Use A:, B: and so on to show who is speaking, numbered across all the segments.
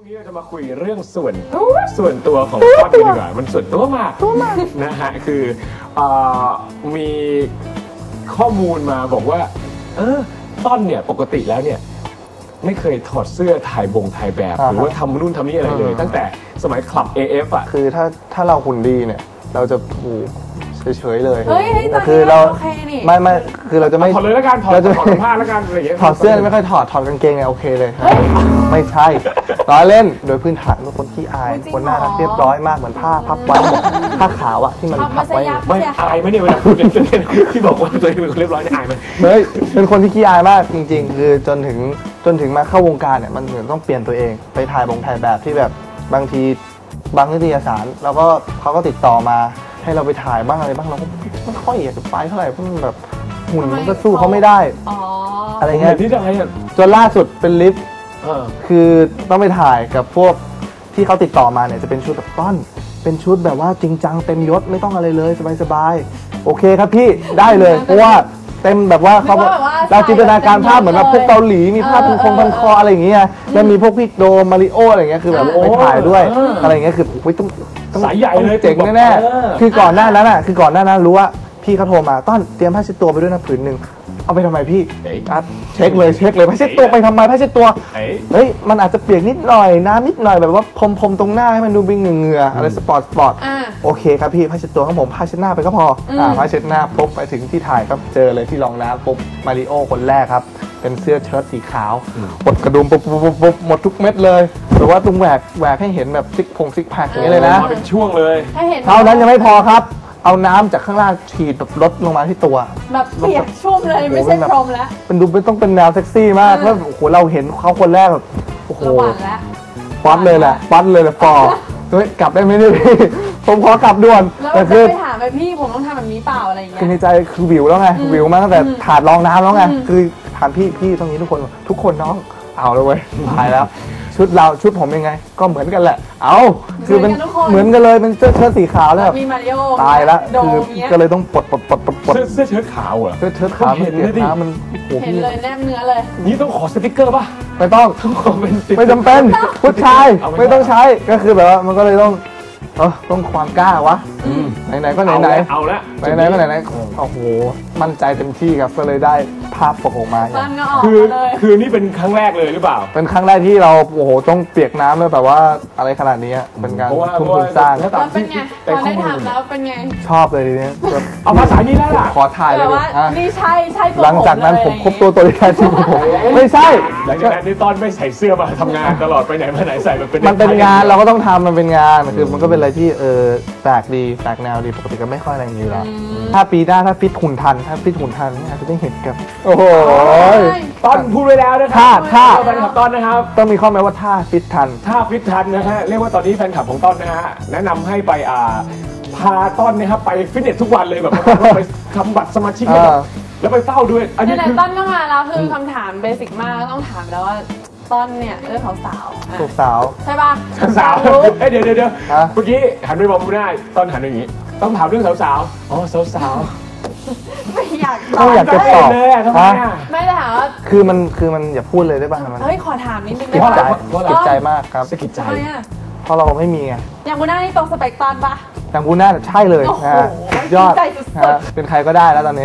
A: วันนี้เราจะมาคุยเรื่องส่วนตัวของต้นดีกว่ามันส่วนตัวมากนะฮะคือมีข้อมูลมาบอกว่าต้นเนี่ยปกติแล้วเนี่ยไม่เคยถอดเสื้อถ่ายแบบหรือว่าทำนู่นทำนี่อะไรเลยตั้งแต่สมัยคลับ AF อ่ะ
B: คือถ้าเราหุ่นดีเนี่ยเราจะถูกเฉยๆเลย
C: แต่
B: คือเราไม่คือเราจะไม่
A: ถอดเลยแล้วกันถอดผ้าแล้วกันอะไรอย่างเงี้ย
B: ถอดเสื้อไม่ค่อยถอดกางเกงเนี่ยโอเคเลยไม่ใช่ล้อเล่นโดยพื้นฐานเป็นคนขี้อายคนน่ารักเรียบร้อยมากเหมือนผ้าพับไว้ผ้าขาวอะที่มันพับไว้
A: ไม่อายไหมเนี่ยเวลาพูดที่บอกว่าตัวเองเป็นคนเรียบร้อยเนี่ยอายไหม
B: เฮ้ยเป็นคนที่ขี้อายมากจริงๆคือจนถึงมาเข้าวงการเนี่ยมันเหมือนต้องเปลี่ยนตัวเองไปถ่ายแบบที่แบบบางทีบางนิตยสารแล้วก็เขาก็ติดต่อมาให้เราไปถ่ายบ้างอะไรบ้างเราก็ไม่ค่อยอยากจะไปเท่าไหร่เพราะมันแบบหุ่นมันก็สู้เขาไม่ได้อะไรเงี้ยจนล่าสุดเป็นลิฟต์คือต้องไปถ่ายกับพวกที่เขาติดต่อมาเนี่ยจะเป็นชุดแบบต้นเป็นชุดแบบว่าจริงจังเต็มยศไม่ต้องอะไรเลยสบายๆโอเคครับพี่ได้เลยเพราะว่าเต็มแบบว่าเขาเราจินตนาการภาพเหมือนแบบพวกเกาหลีมีภาพพันคออะไรอย่างเงี้ยแล้วมีพวกพี่โดมาริโออะไรเงี้ยคือแบบไปถ่ายด้วยอะไรเงี้ยคือ
A: สายใหญ่เลย
B: เจ๋งแน่ๆคือก่อนหน้านั้นรู้ว่าพี่เขาโทรมาต้นเตรียมผ้าเช็ดตัวไปด้วยนะผืนหนึ่งเอาไปทำไมพี่เช็คเลยผ้าเช็ดตัวไปทำไมผ้าเช็ดตัวเฮ้ยมันอาจจะเปียกนิดหน่อยน้ำนิดหน่อยแบบว่าพรมตรงหน้าให้มันดูเป็นเหงื่ออะไรสปอร์ตโอเคครับพี่ผ้าเช็ดตัวของผมผ้าเช็ดหน้าไปก็พอผ้าเช็ดหน้าปุ๊บไปถึงที่ถ่ายก็เจอเลยที่รองน้ำปุ๊บมาริโอคนแรกครับเป็นเสื้อเชิ้ตสีขาวปลดกระดุมปุ๊บหมดทุกเม็ดเลยแต่ว่าตรงแหวกให้เห็นแบบซิกแพคอย่างนี้เลยนะ
A: เป็นช่วงเลย
B: เท่านั้นยังไม่พอครับเอาน้ำจากข้างล่างฉีดแบบลดลงมาที่ตัว
C: แบบเปียกชุ่มเลยไม่ใช่พรมแล้ว
B: เป็นดูต้องเป็นแนวเซ็กซี่มากแล้วโอ้โหเราเห็นเขาคนแรกแบบโอ้โหป๊อตเลยแหละปอเฮ้ยกลับได้ไหมเนี่ยพี่ผมขอกลับด่วน
C: แล้วจะไปถามไปพี่ผมต้องทำแบบนี้เปล่าอะไรอย่างเงี้ย
B: คือในใจคือวิวแล้วไงวิวมาตั้งแต่ถาดรองน้ำแล้วไงคือถามพี่ตรงนี้ทุกคนน้องเอาเลยเว้ยตายแล้วชุดผมยังไงก็เหมือนกันแหละคือเป็นเหมือนกันเลยเป็นเสื้อเชิ้ตสีขาวแล้วตายแล้วคือก็เลยต้องปลด
A: เสื้อเชิ้ตขาวเหรอ
B: เสื้อขาวเห็นเลยมัน
C: เห็นเลยแนบเนื้อเลย
A: นี่ต้องขอสติ๊กเกอร์ป่ะ
B: ไม่ต้องไม่จำเป็นผู้ชายไม่ต้องใช้ก็คือแบบว่ามันก็เลยต้องความกล้าวะไหนก็ไหน
A: เอาละ
B: ไหนก็ไหนโอ้โหมั่นใจเต็มที่ครับก็เลยได้ภาพปกออกมา
A: คือนี่เป็นครั้งแรกเลยหรือเปล่า
B: เป็นครั้งแรกที่เราโอ้โหต้องเปียกน้ำเลยแบบว่าอะไรขนาดนี้เป็นการทุ่มทุนสร้าง
C: แล้วเป็นไงตอนได้ทำแล้วเป็นไง
B: ชอบเลยทีนี้
A: เอาภาษานี้ได้ล่ะ
B: ขอถ่ายเลย
C: นี่ใช่
B: หลังจากนั้นผมครบตัวที่แท้จริงผมไม่ใช่
A: หลังจากนั้นนี่ต้นไม่ใส่เสื้อมาทำงานตลอดไปไหนมาไหนใส่
B: มันเป็นงานเราก็ต้องทำมันเป็นงานคือมันก็เป็นอะไรที่แปลกดีแปลกแนวดีปกติก็ไม่ค่อยอะไรอย่างนี้แล้วถ้าปีหน้าถ้าฟิตหุ่นทันอาจจะได้เห็นกับโอ้โห
A: ต้นพูดไว้แล้วนะครับ
B: ถ้า
A: แฟนคลับต้นนะครับ
B: ต้องมีข้อแม้ว่าถ้าฟิตทัน
A: นะฮะเรียกว่าตอนนี้แฟนคลับของต้นนะฮะแนะนำให้ไปพาต้นนะครับไปฟิตเนสทุกวันเลยแบบไปทำบัตรสมาชิกแล้วไปเฝ้าด้วย
C: อันนี้คือต้นก็มาแล้วคือคำถามเบสิกมากต้องถามแล้วว่าต้นเนี่ยเรื่องของสาวใช่ป่ะ
A: สาวเดี๋ยวเมื่อกี้หันไปมองดูได้ต้นหันอย่างนี้ต้องถามเรื่องสาวสาว
C: ไม่อยาก
B: จะตอบ
A: เลยทำไม
C: ไม่ได้ถามว่า
B: คือมันอย่าพูดเลยได้ป่ะมัน
C: เฮ้ยขอถามนิดนึง
B: ได้ป่ะเก็บใจมากครับ
A: เก็บใจ
B: เพราะเราไม่มีไง
C: อย่างกูน่านี่ตรงสเปกต้นป่ะ
B: อย่างกูน่าใช่เลยนะยอดเป็นใครก็ได้แล้วตอนนี้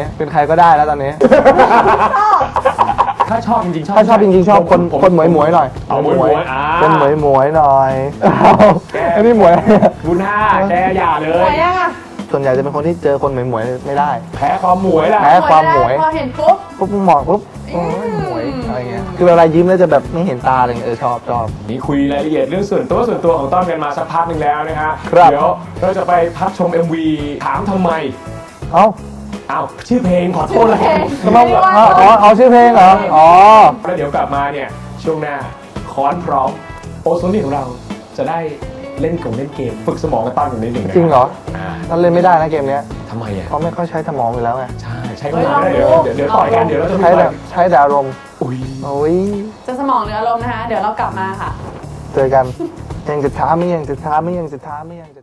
A: ถ้าชอบจริง
B: ๆชอบคนหมวยหน่อยเป็นหมวยหน่อยอันนี้หมวย
A: กูน่าแกอย่าเลย
B: ส่วนใหญ่จะเป็นคนที่เจอคนหมวยไม่ได้
A: แพ้ความหมวย
C: พอเห็นปุ๊บ
B: มองปุ๊บหมวยอะไรเงี้ยคือเวลายิ้มแล้วจะแบบไม่เห็นตาเลยชอบ
A: นี่คุยรายละเอียดเรื่องส่วนตัวของต้นกันมาสักพักนึงแล้วนะฮะเดี๋ยวเราจะไปพักชม MV ถามทำไมชื่อเพลงขอโทษเลย
B: ชื่อเพลงเหรอ
A: แล้วเดี๋ยวกลับมาเนี่ยช่วงหน้าค้อนพร้อมโอโซนี่ของเราจะได้เล่นเกมฝึกสมองกันต้นอย่างนิดหนึ่ง
B: จริงเหรอเราเล่นไม่ได้นะเกมนี้
A: ทำไมอ่ะ
B: เขาไม่ค่อยใช้สมองอยู่แล้วไง
A: ใช้ก็ได้เดี๋ยวต่อยกันเดี๋ยวเราจะ
B: ใช้แต่อารมณ์
C: จะสมองหรืออารมณ์นะคะเดี๋ยวเรากลับมาค่ะ
B: เจอกันยังจะท้าไม่ยัง